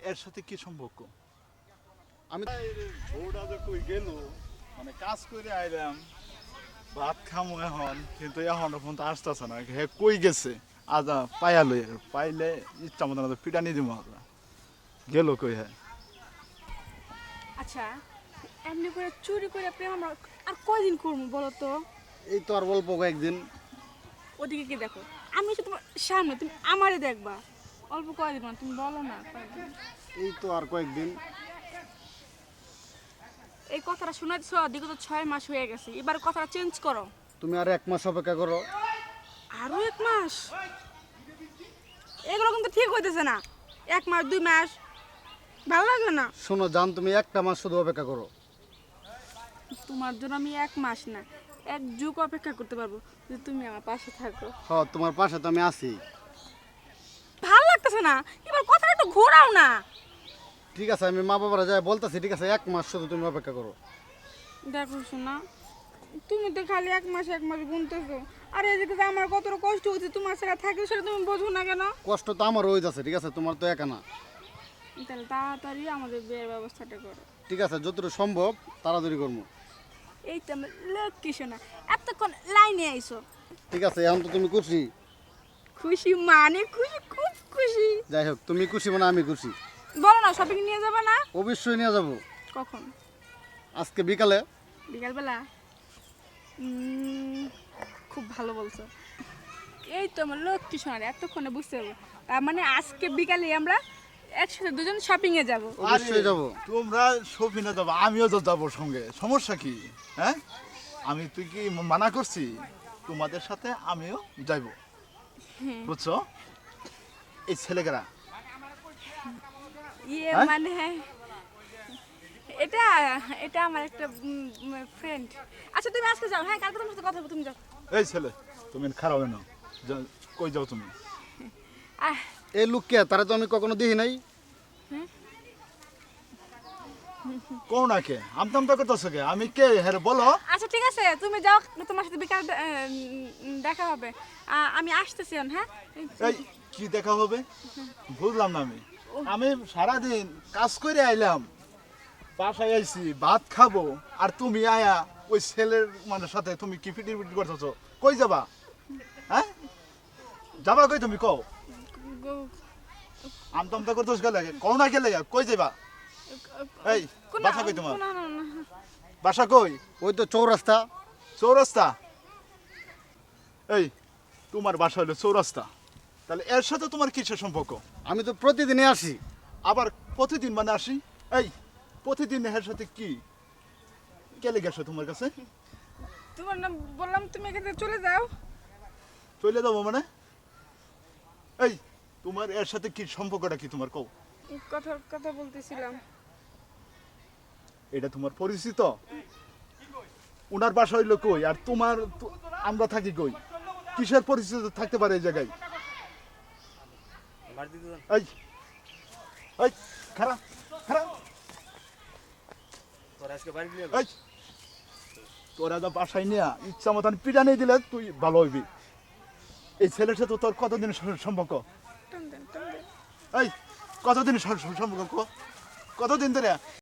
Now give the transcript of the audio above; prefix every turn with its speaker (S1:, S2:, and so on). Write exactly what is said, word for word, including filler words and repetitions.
S1: এর সাথে কি সম্পর্ক? আমি বউটা যে কই গেল, মানে কাজ করে আইলাম, ভাত খামো এখন, কিন্তু এখন ফোন তো আসতেছে না। হে কই গেছে? আজা পাইয়ালো, পাইলে ইচ্ছা মতো না পিটানি দিব আমরা। গেল কই? হ্যাঁ
S2: আচ্ছা, এমনি করে চুরি করে প্রেম আমরা আর কয়দিন করবো বলো তো?
S3: এই তো আর অল্প কয়েকদিন।
S2: ওদিকে কি দেখো, আমি হচ্ছে তোমার সামনে, তুমি আমারে দেখবা। অল্প কয়দিন মানে তুমি বলো না কয়দিন।
S3: এই তো আর কয়েকদিন।
S2: এই কথাটা শোনাচ্ছ, বিগত ছয় মাস হয়ে গেছে, এবার কথাটা চেঞ্জ করো।
S3: তুমি আর এক মাস অপেক্ষা করো।
S2: আরো এক মাস? এগুলো কিন্তু ঠিক হইতেছে না। এক মাস দুই মাস ভালো লাগে না।
S3: শোনো জান, তুমি একটা মাস শুধু অপেক্ষা করো।
S2: তোমার জন্য আমি এক মাস না, এক যুগ অপেক্ষা করতে পারবো যদি তুমি আমার পাশে থাকো।
S3: হ, তোমার পাশে তো আমি আছি।
S2: ভালো লাগতেছে না, এবার কথাটা একটু ঘোরাও না।
S3: ঠিক আছে, আমি মা বাবারা যাই বলতেছি। ঠিক আছে, এক মাস শুধু তুমি অপেক্ষা করো।
S2: দেখো শোনা, তুমি তো খালি এক মাস এক মাস গুনতেছো, আর এদিকে যে আমার কতটা কষ্ট হচ্ছে তোমার ছাড়া থাকলে, সেটা তুমি বোঝো না কেন?
S3: কষ্ট তো আমার হয়ে যাচ্ছে। ঠিক আছে, তোমার তো একা না।
S2: তাহলে তাড়াতাড়ি আমাদের বিয়ের ব্যবস্থাটা করো।
S3: ঠিক আছে, যতটুকু সম্ভব তাড়াতাড়ি করবো।
S2: এই তো আমার লক্ষ্মী শোনা, এতক্ষণ লাইনে আইসো।
S3: ঠিক আছে, এখন তো তুমি খুশি।
S2: খুশি মানে খুশি, খুব খুশি।
S3: যাই হোক, তুমি খুশি মানে আমি খুশি।
S2: বলো না, শপিং নিয়ে যাবে না?
S3: অবশ্যই নিয়ে যাবো।
S2: কখন?
S3: আজকে বিকালে।
S2: বিকালবেলা? উম, খুব ভালো বলছো। এই তো আমার লক্ষ্মী সোনার, এতক্ষণে বুঝতে পারবো। তার মানে আজকে বিকালে আমরা একসাথে দুজন শপিং এ যাব।
S3: অবশ্যই যাবো।
S1: তোমরা শপিনে যাবো, আমিও তো যাবো সঙ্গে। সমস্যা কি? হ্যাঁ, আমি তুই কি মানা করছি? তোমাদের সাথে আমিও যাইব, বুঝছো? এই ছেলেকেরা
S2: ইয়ে
S1: হ্যাঁ?
S2: মানে এটা এটা আমার একটা ফ্রেন্ড। আচ্ছা তুমি আজকে যাও, হ্যাঁ কালকে তোমার সাথে কথা বলবো, তুমি যাও।
S1: এই ছেলে, তুমি খারাপ না, কই যাও তুমি?
S3: এই লোককে তারা তো আমি কখনো দেখি নাই।
S1: কোন না কে আমতা আমতা করতেছো কে? আমি কে হ্যাঁ বলো।
S2: আচ্ছা ঠিক আছে, তুমি যাও, তোমার সাথে বিকাল দেখা হবে। আ- আমি আসতেছি এখন, হ্যাঁ?
S1: এই কি দেখা হবে? বুঝলাম না আমি। আমি সারাদিন কাজ করে আইলাম, বাসায় আইছি, ভাত খাবো, আর তুমি আয়া ওই ছেলের মানে সাথে তুমি কি ফিটির ফিটির করতেছো? কই যাবা? হ্যাঁ, যাবা কই তুমি? কও।
S2: গো-
S1: আমতা আমতা করতেছো কে লাগে? কও না কে লাগে? কই যাবা? এই
S2: কোন-
S1: বাসা কই তোমার?
S2: না, না, না।
S1: বাসা কই?
S3: ওই তো চৌরাস্তা।
S1: চৌরাস্তা? এই তোমার বাসা হলো চৌরাস্তা, তাহলে এর সাথে তোমার কিসের সম্পর্ক?
S3: আমি তো প্রতিদিনই আসি।
S1: আবার প্রতিদিন মানে আসি? এই প্রতিদিন এর সাথে কি কেলে গেছো তোমার কাছে?
S2: তোমার নাম বললাম, তুমি এখান থেকে চলে যাও।
S1: চলে যাবো মানে? এই তোমার এর সাথে কি সম্পর্কটা কি তোমার? কও।
S2: কথা কথা বলতেছিলাম।
S1: এটা তোমার পরিচিত? উনার বাসা হইলো কই আর তোমার তো- আমরা থাকি কই? কিসের পরিচিত থাকতে পারে এই জায়গায়? এই এই খারাপ খারাপ এই তোরা যা বাসায় নিয়ে ইচ্ছা মতন পিটানি দিলে তুই ভালো হইবি। এই ছেলের সাথে তোর কতদিন সম্পর্ক?
S2: টান দেন, টান দেন।
S1: এই কতদিন সম্পর্ক? কতদিন ধরে?